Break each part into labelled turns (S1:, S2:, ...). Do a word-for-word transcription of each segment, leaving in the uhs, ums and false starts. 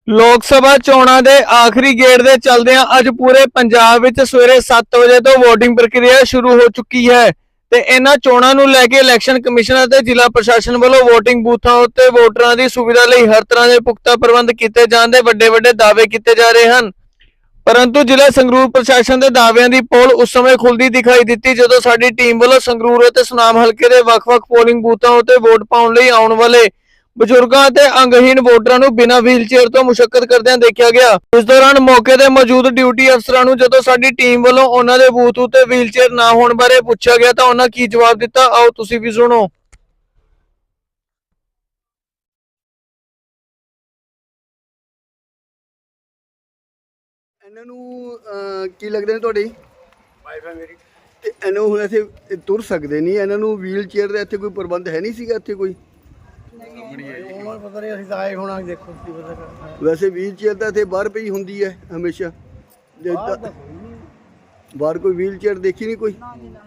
S1: ਲੋਕ ਸਭਾ ਚੋਣਾਂ ਦੇ ਆਖਰੀ ਗੇੜ ਦੇ ਚੱਲਦਿਆਂ ਅੱਜ ਪੂਰੇ ਪੰਜਾਬ ਵਿੱਚ ਸਵੇਰੇ ਸੱਤ ਵਜੇ ਤੋਂ VOTING ਪ੍ਰਕਿਰਿਆ ਸ਼ੁਰੂ ਹੋ ਚੁੱਕੀ ਹੈ ਤੇ ਇਹਨਾਂ ਚੋਣਾਂ ਨੂੰ ਲੈ ਕੇ ਇਲੈਕਸ਼ਨ ਕਮਿਸ਼ਨ ਅਤੇ ਜ਼ਿਲ੍ਹਾ ਪ੍ਰਸ਼ਾਸਨ ਵੱਲੋਂ VOTING ਬੂਥਾਂ ਉੱਤੇ ਵੋਟਰਾਂ ਦੀ ਸੁਵਿਧਾ ਲਈ ਹਰ ਤਰ੍ਹਾਂ ਦੇ ਪੁਖਤਾ ਪ੍ਰਬੰਧ ਕੀਤੇ ਜਾਣ ਦੇ ਵੱਡੇ ਵੱਡੇ ਦਾਅਵੇ ਕੀਤੇ ਜਾ ਰਹੇ ਹਨ। परंतु जिला संगरूर प्रशासन के दावियां की पोल उस समय खुलती दिखाई दी जदों साडी टीम वालों संगरूर और सुनाम हल्के के वख-वख पोलिंग बूथों उत्ते वोट पाउण लई आउण वाले बजुर्गों और अंगहीन वोटरां नूं बिना व्हीलचेयर तो मुशक्कत करदिआं देखा गया। इस दौरान मौके ते मौजूद ड्यूटी अफसरां नूं जदों साडी टीम वालों उन्हां दे बूथ उत्ते व्हीलचेयर ना होण बारे पुछया गया तां उन्हां की जवाब दिता, आओ तुसीं भी सुणो।
S2: ਇਹਨਾਂ ਨੂੰ ਕੀ ਲੱਗਦਾ ਨੇ ਤੁਹਾਡੇ
S3: ਵਾਈਫ ਹੈ ਮੇਰੀ
S2: ਤੇ ਇਹਨੂੰ ਹੁਣ ਇੱਥੇ ਤੁਰ ਸਕਦੇ ਨਹੀਂ, ਇਹਨਾਂ ਨੂੰ ਵੀਲ ਚੇਅਰ ਦਾ ਇੱਥੇ ਕੋਈ ਪ੍ਰਬੰਧ ਹੈ ਨਹੀਂ ਸੀਗਾ ਇੱਥੇ ਕੋਈ?
S3: ਹੁਣ ਪਤਾ ਨਹੀਂ ਅਸੀਂ ਤਾਂ ਆਏ ਹੋਣਾ, ਦੇਖੋ ਕੀ ਪਤਾ ਕਰਦਾ।
S2: ਵੈਸੇ ਵੀਲ ਚੇਅਰ ਤਾਂ ਇੱਥੇ ਬਾਹਰ ਪਈ ਹੁੰਦੀ ਹੈ ਹਮੇਸ਼ਾ, ਜੇ ਤਾਂ ਬਾਹਰ ਕੋਈ ਵੀਲ ਚੇਅਰ ਦੇਖੀ ਨਹੀਂ ਕੋਈ।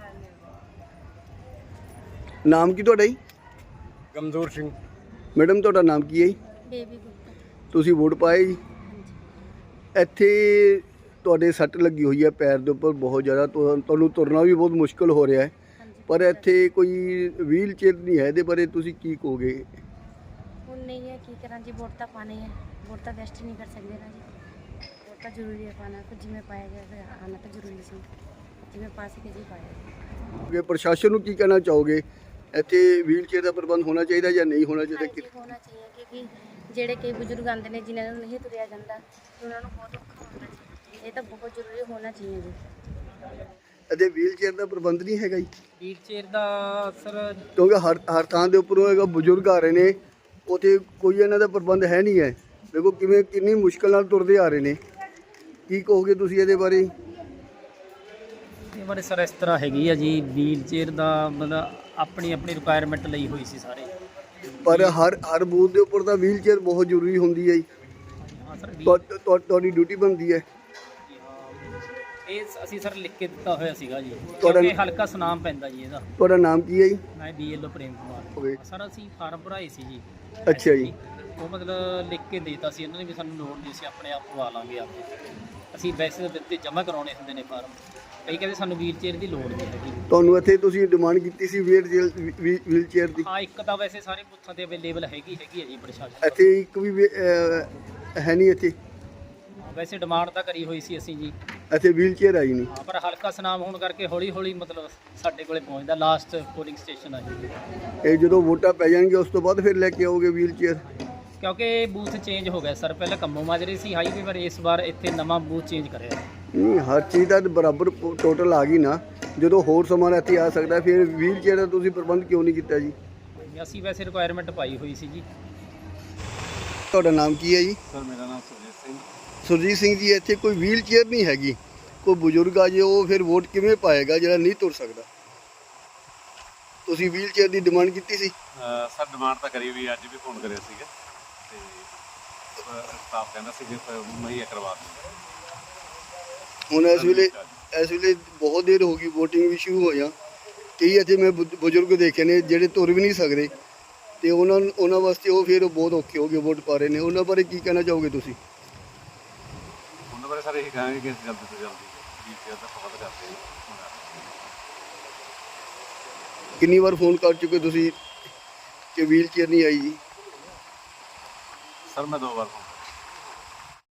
S2: ਨਾਮ ਕੀ ਤੁਹਾਡਾ ਜੀ?
S3: ਕਮਜ਼ੋਰ ਸਿੰਘ।
S2: ਮੈਡਮ ਤੁਹਾਡਾ ਨਾਮ ਕੀ ਹੈ ਜੀ?
S4: ਬੇਬੀ ਗੁਪਤਾ।
S2: ਤੁਸੀਂ ਵੋਟ ਪਾਏ ਜੀ? ਇੱਥੇ ਤੁਹਾਡੇ ਸੱਟ ਲੱਗੀ ਹੋਈ ਹੈ ਪੈਰ ਦੇ ਉੱਪਰ ਬਹੁਤ ਜ਼ਿਆਦਾ, ਤੁਹਾਨੂੰ ਤੁਰਨਾ ਵੀ ਬਹੁਤ ਮੁਸ਼ਕਲ ਹੋ ਰਿਹਾ ਹੈ, ਪਰ ਇੱਥੇ ਕੋਈ ਵੀਲ ਚੇਅਰ ਨਹੀਂ ਹੈ, ਇਹਦੇ ਬਾਰੇ ਤੁਸੀਂ ਕੀ ਕਹੋਗੇ?
S4: ਹੁਣ ਨਹੀਂ ਹੈ, ਕੀ ਕਰਾਂ ਜੀ, ਵੋਟ ਤਾਂ ਪਾਣੀ ਹੈ, ਵੋਟ ਤਾਂ ਵੈਸਟ ਨਹੀਂ ਕਰ ਸਕਦੇ ਨਾ ਜੀ, ਵੋਟ ਤਾਂ ਜ਼ਰੂਰੀ ਹੈ ਪਾਣਾ, ਕੁਝ ਜਿਵੇਂ ਪਾਇਆ ਗਿਆ ਫਿਰ ਆਉਣਾ ਤਾਂ ਜ਼ਰੂਰੀ ਸੀ, ਜਿਵੇਂ ਪਾ ਸਕੇ ਜੀ ਪਾਇਆ।
S2: ਕਿ ਪ੍ਰਸ਼ਾਸਨ ਨੂੰ ਕੀ ਕਹਿਣਾ ਚਾਹੋਗੇ, ਇੱਥੇ ਵੀਲ ਚੇਅਰ ਦਾ ਪ੍ਰਬੰਧ ਹੋਣਾ ਚਾਹੀਦਾ ਜਾਂ ਨਹੀਂ ਹੋਣਾ ਚਾਹੀਦਾ?
S4: ਹਾਂਜੀ ਹੋਣਾ ਚਾਹੀਏ, ਕਿਉਂਕਿ ਜਿਹੜੇ ਕਈ ਬਜ਼ੁਰਗ ਆਉਂਦੇ ਨੇ ਜਿਨ੍ਹਾਂ ਨੂੰ ਨਹੀਂ ਤੁਰਿਆ ਜਾਂਦਾ, ਉਹਨਾਂ ਨੂੰ ਬਹੁਤ ਔਖਾ ਹੁੰਦਾ ਜੀ, ਇਹ ਤਾਂ ਬਹੁਤ ਜ਼ਰੂਰੀ ਹੋਣਾ ਚਾਹੀਏ ਜੀ।
S2: ਅਤੇ ਵੀਲ ਚੇਅਰ ਦਾ ਪ੍ਰਬੰਧ ਨਹੀਂ ਹੈਗਾ ਜੀ?
S5: ਵੀਲ ਚੇਅਰ ਦਾ ਸਰ
S2: ਕਿਉਂਕਿ ਹਰ ਹਰ ਥਾਂ ਦੇ ਉੱਪਰੋਂ ਹੈਗਾ ਬਜ਼ੁਰਗ ਆ ਰਹੇ ਨੇ, ਉੱਥੇ ਕੋਈ ਇਹਨਾਂ ਦਾ ਪ੍ਰਬੰਧ ਹੈ ਨਹੀਂ ਹੈ। ਦੇਖੋ ਕਿਵੇਂ ਕਿੰਨੀ ਮੁਸ਼ਕਲ ਨਾਲ ਤੁਰਦੇ ਆ ਰਹੇ ਨੇ, ਕੀ ਕਹੋਗੇ ਤੁਸੀਂ ਇਹਦੇ ਬਾਰੇ?
S5: ਇਹ ਬਾਰੇ ਸਰ ਇਸ ਤਰ੍ਹਾਂ ਹੈਗੀ ਆ ਜੀ, ਵੀਲ ਚੇਅਰ ਦਾ ਮਤਲਬ ਆਪਣੀ ਆਪਣੀ ਰਿਕੁਆਇਰਮੈਂਟ ਲਈ ਹੋਈ ਸੀ ਸਾਰੇ,
S2: ਪਰ ਹਰ ਹਰ ਬੂਥ ਦੇ ਉੱਪਰ ਤਾਂ ਵੀਲ ਚੇਅਰ ਬਹੁਤ ਜ਼ਰੂਰੀ ਹੁੰਦੀ ਹੈ ਜੀ।
S5: ਹਾਂ ਸਰ
S2: ਤੁਹਾ- ਤੁਹਾ- ਤੁਹਾਡੀ ਡਿਊਟੀ ਬਣਦੀ ਹੈ।
S5: ਇਹ ਅਸੀਂ ਸਰ ਲਿਖ ਕੇ ਦਿੱਤਾ ਹੋਇਆ ਸੀਗਾ ਜੀ,
S2: ਤੁਹਾਡਾ-
S5: ਕਿਉਂਕਿ ਹਲਕਾ ਸੁਨਾਮ ਪੈਂਦਾ ਜੀ ਇਹਦਾ।
S2: ਤੁਹਾਡਾ ਨਾਮ ਕੀ ਹੈ ਜੀ?
S5: ਮੈਂ BLO Prem
S2: okay.
S5: Kumar. Sir ਅਸੀਂ ਫਾਰਮ ਭਰਾਏ ਸੀ ਜੀ।
S2: ਅੱਛਾ ਜੀ।
S5: ਉਹ ਮਤਲਬ ਲਿਖ ਕੇ ਦੇਤਾ ਸੀ ਇਹਨਾਂ ਨੇ ਵੀ ਸਾਨੂੰ ਲੋੜ ਨਹੀਂ ਸੀ, ਆਪਣੇ ਆਪ ਪਵਾ ਲਾਂਗੇ ਆਪੇ। ਅਸੀਂ ਵੈਸੇ ਤਾਂ ਦਿੱਤੇ ਜਮ੍ਹਾਂ ਕਰਾਉਣੇ ਹੁੰਦੇ ਨੇ ਫਾਰਮ, ਕਈ ਕਹਿੰਦੇ ਸਾਨੂੰ ਵੀਲ ਚੇਅਰ ਦੀ ਲੋੜ ਨਹੀਂ ਹੈਗੀ।
S2: ਤੁਹਾਨੂੰ ਇੱਥੇ ਤੁਸੀਂ ਡਿਮਾਂਡ ਕੀਤੀ ਸੀ ਵੀਲ ਵੀਲ ਚੇਅਰ ਦੀ?
S5: ਹਾਂ ਇੱਕ ਤਾਂ ਵੈਸੇ ਸਾਰੇ ਬੂਥਾਂ ਤੇ ਅਵੇਲੇਬਲ ਹੈਗੀ ਹੈਗੀ ਹੈ ਜੀ ਪ੍ਰਸ਼ਾਸਨ।
S2: ਇੱਥੇ ਇੱਕ ਵੀ ਵੀ, ਅਹ, ਹੈ ਨਹੀਂ ਇੱਥੇ?
S5: ਵੈਸੇ ਡਿਮਾਂਡ ਤਾਂ ਕਰੀ ਹੋਈ ਸੀ ਅਸੀਂ ਜੀ,
S2: ਇੱਥੇ ਵੀਲ ਚੇਅਰ ਆਈ ਨਹੀਂ।
S5: ਹਾਂ ਪਰ ਹਲਕਾ ਸੁਨਾਮ ਹੋਣ ਕਰਕੇ ਹੌਲੀ ਹੌਲੀ ਮਤਲਬ ਸਾਡੇ ਕੋਲੇ ਪਹੁੰਚਦਾ, ਲਾਸਟ ਪੋਲਿੰਗ ਸਟੇਸ਼ਨ ਆ ਜੀ।
S2: ਇਹ ਜਦੋਂ ਵੋਟਾਂ ਪੈ ਜਾਣਗੇ ਉਸ ਤੋਂ ਬਾਅਦ ਫਿਰ ਲੈ ਕੇ ਆਓਗੇ ਵੀਲ ਚੇਅਰ?
S5: ਕਿਉਂਕਿ ਬੂਥ ਚੇਂਜ ਹੋ ਗਿਆ ਸਰ, ਪਹਿਲਾਂ ਕੰਮੋ ਮਾਜਰੇ ਸੀ ਹਾਈਵੇ ਪਰ, ਇਸ ਵਾਰ ਇੱਥੇ ਨਵਾਂ ਬੂਥ ਚੇਂਜ ਕਰਿਆ।
S2: ਨਹੀਂ ਹਰ ਚੀਜ਼ ਦਾ ਬਰਾਬਰ ਟੋਟਲ ਆ ਗਈ ਨਾ, ਜਦੋਂ ਹੋਰ ਸਮਾਨ ਇੱਥੇ ਆ ਸਕਦਾ ਫਿਰ ਵੀਲ ਚੇਅਰ ਦਾ ਤੁਸੀਂ ਪ੍ਰਬੰਧ ਕਿਉਂ ਨਹੀਂ ਕੀਤਾ ਜੀ?
S5: ਅਸੀਂ ਵੈਸੇ ਰਿਕੁਆਇਰਮੈਂਟ ਪਾਈ ਹੋਈ ਸੀ ਜੀ।
S2: ਤੁਹਾਡਾ ਨਾਮ ਕੀ ਹੈ ਜੀ?
S3: ਸਰ ਮੇਰਾ ਨਾਮ ਸੁਰਜੀਤ ਸਿੰਘ।
S2: ਸੁਰਜੀਤ ਸਿੰਘ ਜੀ, ਇੱਥੇ ਕੋਈ ਵੀਲ ਚੇਅਰ ਨਹੀਂ ਹੈਗੀ, ਕੋਈ ਬਜ਼ੁਰਗ ਆ ਜੇ ਉਹ ਫਿਰ ਵੋਟ ਕਿਵੇਂ ਪਾਏਗਾ ਜਿਹੜਾ ਨਹੀਂ ਤੁਰ ਸਕਦਾ? ਤੁਸੀਂ ਵੀਲ ਚੇਅਰ ਦੀ ਡਿਮਾਂਡ ਕੀਤੀ ਸੀ?
S3: ਸਰ ਡਿਮਾਂਡ ਤਾਂ ਕਰੀ ਵੀ, ਅੱਜ ਵੀ ਫੋਨ ਕਰਿਆ ਸੀਗਾ ਤੇ ਸਟਾਫ ਕਹਿੰਦਾ ਸੀ ਕਿ ਮੁਹੱਈਆ ਕਰਵਾ ਦਿੰਦੇ।
S2: ਹੁਣ ਇਸ ਵੇਲੇ ਇਸ ਵੇਲੇ ਬਹੁਤ ਦੇਰ ਹੋ ਗਈ, VOTING ਵੀ ਸ਼ੁਰੂ ਹੋ ਜਾ, ਕਈ ਇੱਥੇ ਮੈਂ ਬੁ- ਬਜ਼ੁਰਗ ਦੇਖੇ ਨੇ ਜਿਹੜੇ ਤੁਰ ਵੀ ਨਹੀਂ ਸਕਦੇ, ਤੇ ਉਹਨਾਂ ਉਹਨਾਂ ਵਾਸਤੇ ਉਹ ਫਿਰ ਬਹੁਤ ਔਖੇ ਹੋ ਗਏ ਵੋਟ ਪਾ ਰਹੇ ਨੇ, ਉਹਨਾਂ ਬਾਰੇ ਕੀ ਕਹਿਣਾ ਚਾਹੋਗੇ ਤੁਸੀਂ?
S3: ਉਹਨਾਂ ਬਾਰੇ ਸਰ ਇਹ ਕਹਾਂਗੇ ਕਿ ਜਲਦੀ ਤੋਂ ਜਲਦੀ ਵੀਲ ਚੇਅਰ ਦਾ ਪ੍ਰਬੰਧ ਕਰਦੇ ਹਾਂ।
S2: ਕਿੰਨੀ ਵਾਰ ਫੋਨ ਕਰ ਚੁੱਕੇ ਤੁਸੀਂ ਕਿ ਵੀਲ ਚੇਅਰ ਨਹੀਂ ਆਈ ਜੀ?
S3: ਸਰ ਮੈਂ ਦੋ ਵਾਰ ਫੋਨ